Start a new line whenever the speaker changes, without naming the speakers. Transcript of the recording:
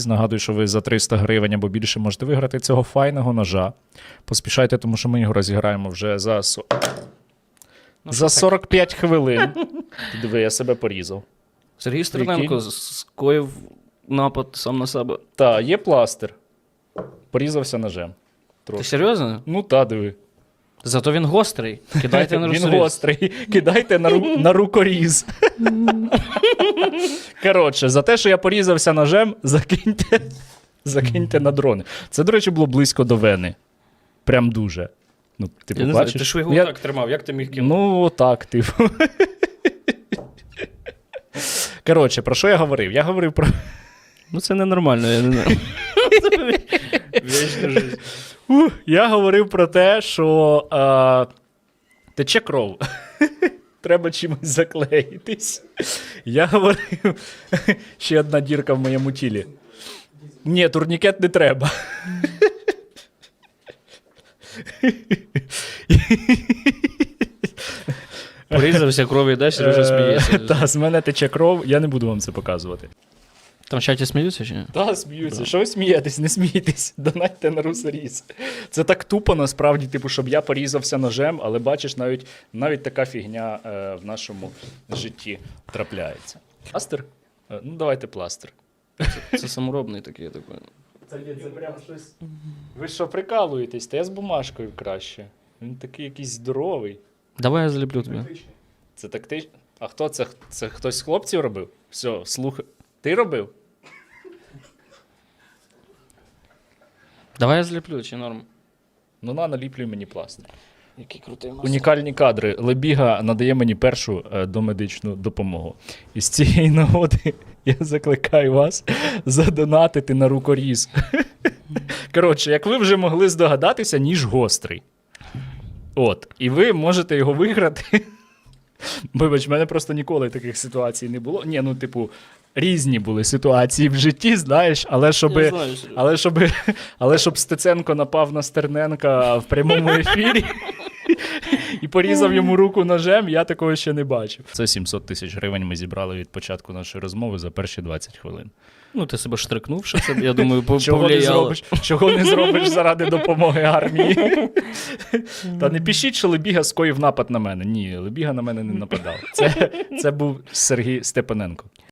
Нагадую, що ви за 300 гривень або більше можете виграти цього файного ножа. Поспішайте, тому що ми його розіграємо вже за 45 хвилин. Диви, я себе порізав.
Сергій Стерненко скоїв напад сам на себе.
Та, є пластир. Порізався ножем.
Ти серйозно?
Ну та, диви.
Зато він гострий. Кидайте на
Він
розріз.
гострий. Кидайте на рукоріз. Коротше, за те, що я порізався ножем, закиньте на дрони. Це, до речі, було близько до вени. Прям дуже. Ну, ти
Я не знаю,
побачиш?
ти ж його так тримав, як ти міг кинути?
Ну, отак, типу. Коротше, про що я говорив? Я говорив про...
Ну це ненормально, я не знаю. Вічна жизнь.
Я говорив про те, що тече кров. Треба чимось заклеїтись. Я говорив, ще одна дірка в моєму тілі. Ні, турнікет не треба.
Порізався, кров іде, Сережа сміється.
Та, з мене тече кров, я не буду вам це показувати.
Там в чаті сміються чи ні?
Та, сміються. Що ви смієтесь? Не смійтесь. Донатьте на русоріз. Це так тупо, насправді, типу, щоб я порізався ножем, але бачиш, навіть така фігня в нашому житті трапляється. Пластир? Ну, давайте пластир.
Це саморобний такий, я так понял.
Це прям щось... Ви що, прикалуєтесь? Та я з бумажкою краще. Він такий якийсь здоровий.
Давай я заліплю тобі.
Це тактично. А хто це? Це хтось з хлопців робив? Все, слухай. Ти робив?
Давай я заліплю, чи норм?
Ну, наліплюй мені пластир.
Який крутий мастер.
Унікальні кадри. Лебіга надає мені першу домедичну допомогу. І з цієї нагоди я закликаю вас задонатити на рукоріз. Коротше, як ви вже могли здогадатися, ніж гострий. От. І ви можете його виграти. Вибач, в мене просто ніколи таких ситуацій не було. Ні, ну, типу, різні були ситуації в житті, знаєш, але щоб Стеценко напав на Стерненка в прямому ефірі і порізав йому руку ножем, я такого ще не бачив. Це 700 тисяч гривень ми зібрали від початку нашої розмови за перші 20 хвилин.
Ну, ти себе штрикнув, що це, я думаю,
Чого не зробиш заради допомоги армії? Та не пишіть, що Лебіга скоїв напад на мене. Ні, Лебіга на мене не нападав. Це був Сергій Степаненко.